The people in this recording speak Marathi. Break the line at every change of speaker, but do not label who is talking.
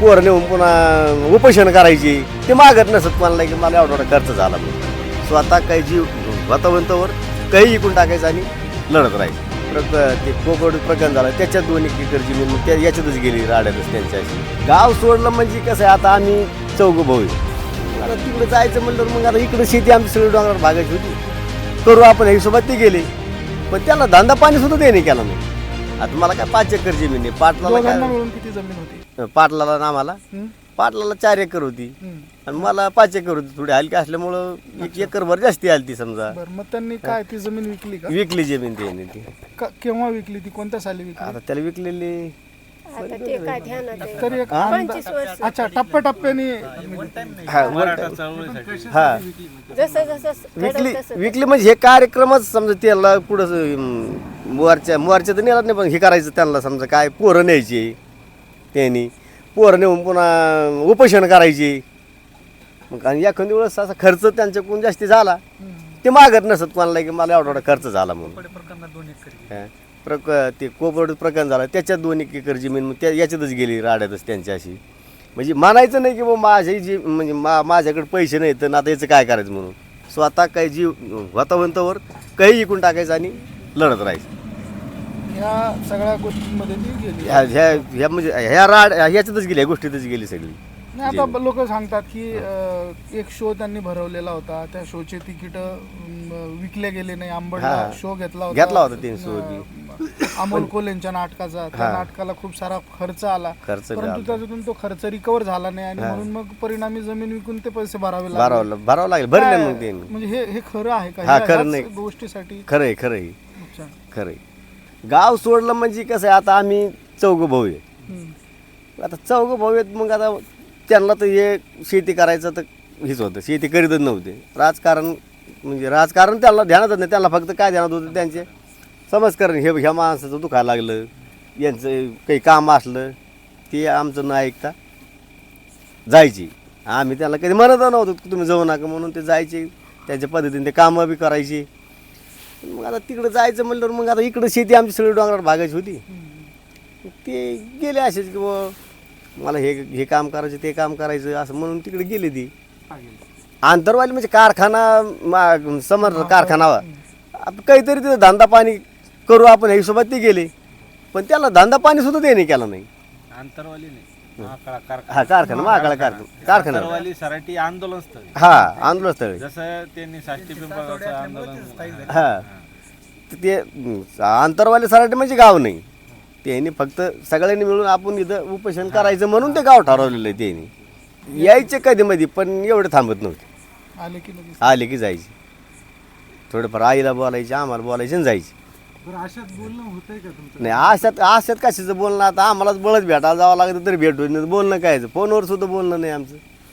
पोरं नेऊन पुन्हा उपोषण करायची ते मागत नसत मला की मला एवढा खर्च झाला म्हणून स्वतः काही जीव वातावरणावर काही इकून टाकायचं आणि लढत राहायचं. ते कोकड प्रकरण झालं त्याच्यात 2 एकर जमीन मग त्या याच्यातच गेली राड्यातच त्यांच्याशी. गाव सोडलं म्हणजे कसं आहे, आता आम्ही 4 भाऊ आहे. आता तिकडे जायचं म्हणलं मग आता इकडे शेती आमची सगळी डोंगरावर भागायची होती. करू आपण हिशोबात ते गेले, पण त्याला धंदा पाणी सुद्धा ते नाही केला नाही. आता मला काय 5 एकर जमीन आहे.
दोघांना मिळून किती जमीन होती?
पाटलाला ना आम्हाला पाटलाला 4 एकर होती आणि मला 5 एकर होती. थोडी हलकी असल्यामुळं 1 एकरभर जास्ती आली ती समजा.
बरं, मग त्यांनी काय ती जमीन विकली का?
विकली जमीन त्याने ती.
केव्हा विकली ती? कोणत्या साली विकली?
आता त्याला विकलेली
आता ते काय ध्यानात आहे.
तरी एक
25 वर्ष.
अच्छा, टप्प्याटप्प्याने
हा
जसं जसं
विकली
घडलं तसं.
विकली म्हणजे हे कार्यक्रमच समजा त्याला पुढं मोर्चा तर नेला नाही, पण हे करायचं त्यांना समजा काय पोरं न्यायची त्यांनी पोरं नेऊन पुन्हा उपोषण करायची. मग आणि एखादी वेळेस असा खर्च त्यांच्याकडून जास्ती झाला ते मागत नसत कोणाला की मला एवढा खर्च झाला म्हणून. ते कोपड प्रकरण झालं त्याच्यात 2 एकर जमीन मग त्या याच्यातच गेली राड्यातच त्यांच्याशी. म्हणजे मानायचं नाही की बाबा माझी जी म्हणजे माझ्याकडे पैसे नाही तर आता याचं काय करायचं म्हणून स्वतः काही जीव वातावरणावर काही इकून टाकायचं आणि लढत राहायचं.
ह्या सगळ्या गोष्टींमध्ये ती गेली.
ह्या म्हणजे ह्या ह्याच्यातच गेली, ह्या गोष्टीतच गेली सगळी.
नाही, आता लोक सांगतात की एक शो त्यांनी भरवलेला होता, त्या शोचे तिकीट विकले गेले नाही. आंबडला शो घेतला
होता 300.
अमोल कोल्हेंच्या नाटकाचा. त्या नाटकाला खूप सारा खर्च आला, परंतु त्याच्यातून तो खर्च रिकवर झाला नाही आणि म्हणून मग परिणामी जमीन विकून ते पैसे भरावे
लागले. भरले मग ते.
म्हणजे हे खरं आहे का?
हा, खरं नाही.
गोष्टीसाठी
खरंय खरंय. गाव सोडलं म्हणजे कसं आहे, आता आम्ही 4 भाऊ आहे. आता 4 भाऊ आहेत, मग आता त्यांना तर हे शेती करायचं तर हेच होतं, शेती करीतच नव्हते. राजकारण त्यांना ध्यानातच नाही. त्यांना फक्त काय ध्यानात होतं, त्यांचे समजकारण ह्या माणसाचं दुखायला लागलं, यांचं काही काम असलं ते आमचं न ऐकता जायची. आम्ही त्याला कधी म्हणत नव्हतो की तुम्ही जाऊ नका म्हणून. ते जायचे त्यांच्या पद्धतीने, ते कामं बी करायची. मग आता तिकडे जायचं म्हणल्यावर मग आता इकडं शेती आमची सगळी डोंगरावर भागायची होती. ते गेले असेच की मला हे काम करायचं ते काम करायचं असं म्हणून तिकडे गेले. ती आंतरवाली म्हणजे कारखाना समर कारखाना काहीतरी तिथं धंदा पाणी करू आपण ह्या हिशोबात ते गेले, पण त्याला धंदा पाणी सुद्धा ते नाही केला नाही.
आंतरवाली नाही,
हा कारखाना महाकाळा कारखाना
सराठी आंदोलन स्थळ.
हा, आंदोलन स्थळ.
जसं त्यांनी साष्टी पिंपळगावचं आंदोलन.
हा, ते आंतरवाली सराटी म्हणजे गाव नाही. त्यांनी फक्त सगळ्यांनी मिळून आपण इथं उपोषण करायचं म्हणून ते गाव ठरवलेलं आहे. त्यांनी यायचे कधी मध्ये, पण एवढे थांबत नव्हते. आले की जायचे. थोडंफार आईला बोलायचे, आम्हाला बोलायचे आणि जायचे. नाही, आशात कशाचं बोलणं. आता आम्हालाच बळच भेटायला जावं लागतं तरी भेटू, बोलणं काय, फोनवर सुद्धा बोलणं नाही आमचं.